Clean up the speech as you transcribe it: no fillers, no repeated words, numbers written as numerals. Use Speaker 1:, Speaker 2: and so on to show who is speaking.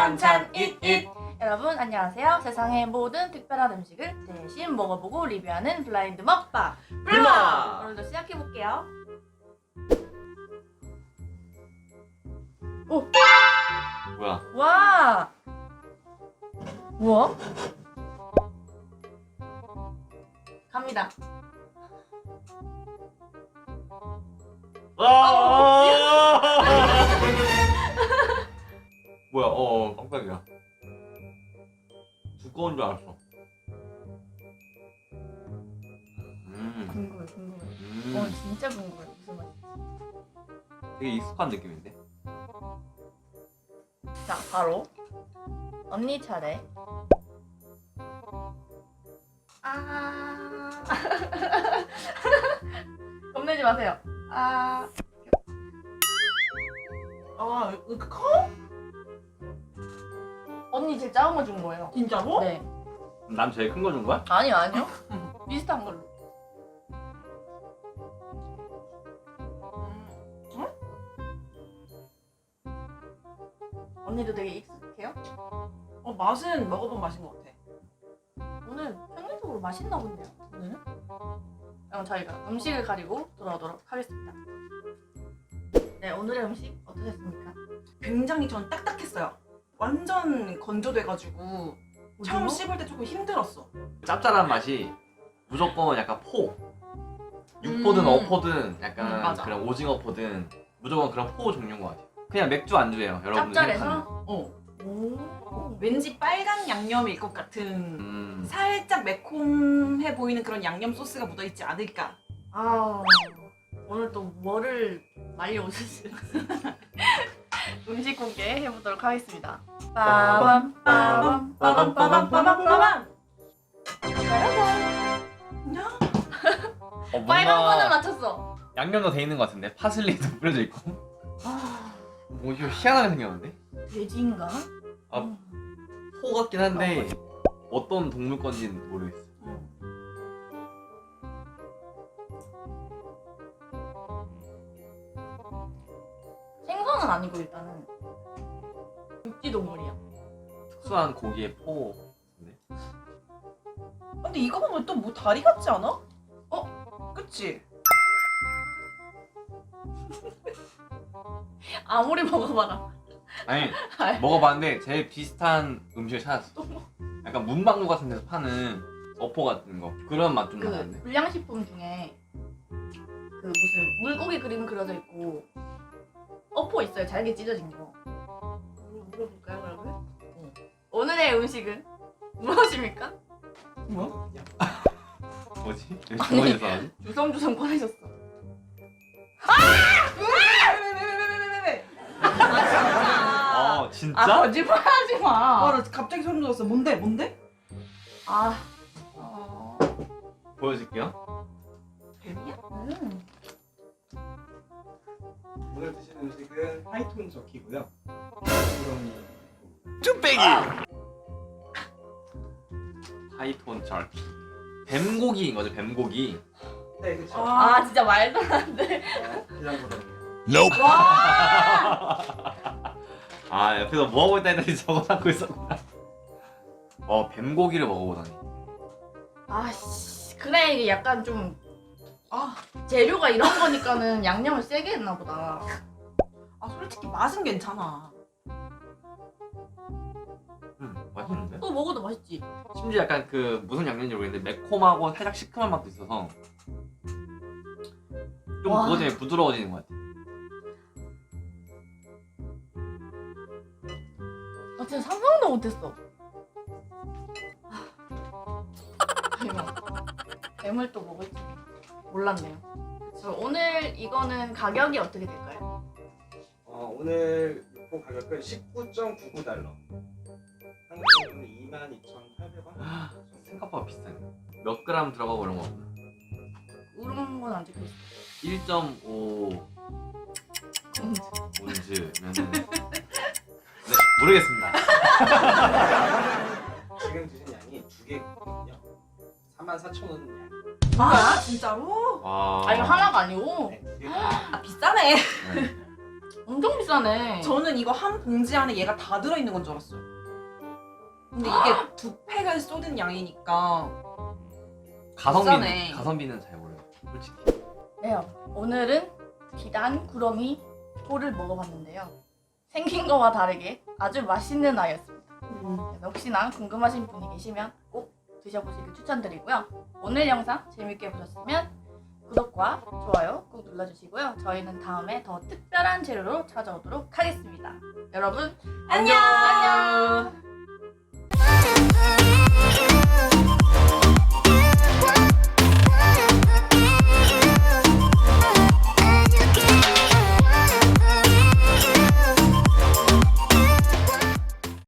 Speaker 1: 반찬 잇잇.
Speaker 2: 여러분 안녕하세요. 세상의 모든 특별한 음식을 대신 먹어보고 리뷰하는 블라인드 먹방
Speaker 1: 블라.
Speaker 2: 오늘도 시작해볼게요.
Speaker 1: 뭐야?
Speaker 2: 와! 뭐야? 갑니다.
Speaker 1: 뭐야? 깜짝이야. 두꺼운 줄 알았어.
Speaker 2: 궁금해. 진짜 궁금해. 무슨 맛이지?
Speaker 1: 되게 익숙한 느낌인데?
Speaker 2: 자, 바로 언니 차례. 겁내지 마세요.
Speaker 3: 이렇게 커?
Speaker 2: 언니 제일 작은 거 준 거예요.
Speaker 3: 진짜로?
Speaker 2: 네.
Speaker 1: 난 제일 큰 거 준 거야?
Speaker 2: 아니요. 비슷한 걸로. 언니도 되게 익숙해요?
Speaker 3: 맛은 먹어본 맛인 것 같아.
Speaker 2: 오늘 평균적으로 맛있나 본데요. 오늘은? 그럼 저희가 음식을 가리고 돌아오도록 하겠습니다. 네, 오늘의 음식 어떠셨습니까?
Speaker 3: 굉장히 전 딱딱했어요. 완전 건조돼가지고 처음
Speaker 2: 오징어?
Speaker 3: 씹을 때 조금 힘들었어.
Speaker 1: 짭짤한 맛이 무조건 약간 육포든 어포든 약간
Speaker 3: 맞아.
Speaker 1: 그런 오징어포든 무조건 그런 포 종류인 것 같아요. 그냥 맥주 안주예요, 여러분들 생각하는.
Speaker 2: 짭짤해서?
Speaker 3: 오. 왠지 빨간 양념일 것 같은 살짝 매콤해 보이는 그런 양념 소스가 묻어있지 않을까.
Speaker 2: 오늘 또 뭐를 많이 오셨을지 음식 공개 해보도록 하겠습니다. 빠밤 빠밤 빠밤 빠밤 빠밤 빠밤. 빨간 거는 맞췄어.
Speaker 1: 양념도 돼 있는 것 같은데 파슬리도 뿌려져 있고. 뭐 이거 희한하게 생겼는데?
Speaker 2: 돼지인가?
Speaker 1: 포 같긴 한데 어떤 동물 건지는 모르겠어.
Speaker 2: 생선은 아니고 일단은 육지 동물이야.
Speaker 1: 특수한 고기의 포.
Speaker 3: 근데 이거 보면 또 뭐 다리 같지 않아? 그치?
Speaker 2: 아무리 먹어봐라.
Speaker 1: 아니 먹어봤는데 제일 비슷한 음식을 찾았어. 약간 문방구 같은 데서 파는 어포 같은 거 그런 맛 좀
Speaker 2: 그
Speaker 1: 나는데.
Speaker 2: 불량식품 중에 그 무슨 물고기 그림 그려져 있고 어포 있어요. 잘게 찢어진 거. 물어볼까요 그러면? 오늘의 음식은 무엇입니까?
Speaker 3: 뭐야?
Speaker 1: 뭐지? 왜 주머니에서 나오지?
Speaker 2: 주섬주섬 꺼내셨어.
Speaker 3: 왜?
Speaker 1: 진짜?
Speaker 2: 거짓말하지 마.
Speaker 3: 나 갑자기 소름 돋았어. 뭔데?
Speaker 1: 보여줄게요.
Speaker 3: 뱀이야?
Speaker 4: 오늘 드시는 음식은 하이톤 저키고요.
Speaker 1: 쭈빼기! 하이톤 절피. 뱀고기인 거죠, 뱀고기.
Speaker 4: 네, 그렇죠.
Speaker 2: 진짜 말도 안 돼.
Speaker 4: 비장보다
Speaker 1: 옆에서 뭐하고 있다 했더니 적어놓고 있었구나. 뱀고기를 먹어보다니.
Speaker 2: 그래 이게 약간 좀 재료가 이런 거니까는 양념을 세게 했나 보다.
Speaker 3: 솔직히 맛은 괜찮아.
Speaker 1: 맛있는데?
Speaker 2: 또 먹어도 맛있지.
Speaker 1: 심지어 약간 그 무슨 양념인지 모르겠는데 매콤하고 살짝 시큼한 맛도 있어서 좀
Speaker 2: 와.
Speaker 1: 그것 때문에 부드러워지는 것 같아.
Speaker 2: 진짜 상상도 못했어. 뱀을 또 먹을 줄 몰랐네요. 그럼 오늘 이거는 가격이 어떻게 될까요?
Speaker 4: 오늘 육포 가격은 19.99달러. 한국 돈으로 22,800원.
Speaker 1: 생각보다 비싸네. 몇 그램 들어가고 이런 거구나.
Speaker 2: 그런 건 안 찍혀 있어.
Speaker 1: 1.5 온즈면은 네, 모르겠습니다.
Speaker 4: 지금 드신 양이 2개거든요. 44,000원 양.
Speaker 3: 진짜로?
Speaker 1: 와.
Speaker 2: 이거 하나가 아니고?
Speaker 4: 네, 2개.
Speaker 3: 비싸네.
Speaker 1: 네.
Speaker 2: 엄청 비싸네.
Speaker 3: 저는 이거 한 봉지 안에 얘가 다 들어있는 건 줄 알았어요. 근데 이게 2팩을 쏟은 양이니까 비싸네.
Speaker 1: 가성비는 잘 몰라요. 솔직히.
Speaker 2: 네, 오늘은 비단 구렁이 홀을 먹어봤는데요. 생긴 거와 다르게 아주 맛있는 아이였습니다. 그래서 혹시나 궁금하신 분이 계시면 꼭 드셔보시길 추천드리고요. 오늘 영상 재밌게 보셨으면 구독과 좋아요 꼭 눌러주시고요. 저희는 다음에 더 특별한 재료로 찾아오도록 하겠습니다. 여러분
Speaker 3: 안녕!
Speaker 2: 안녕!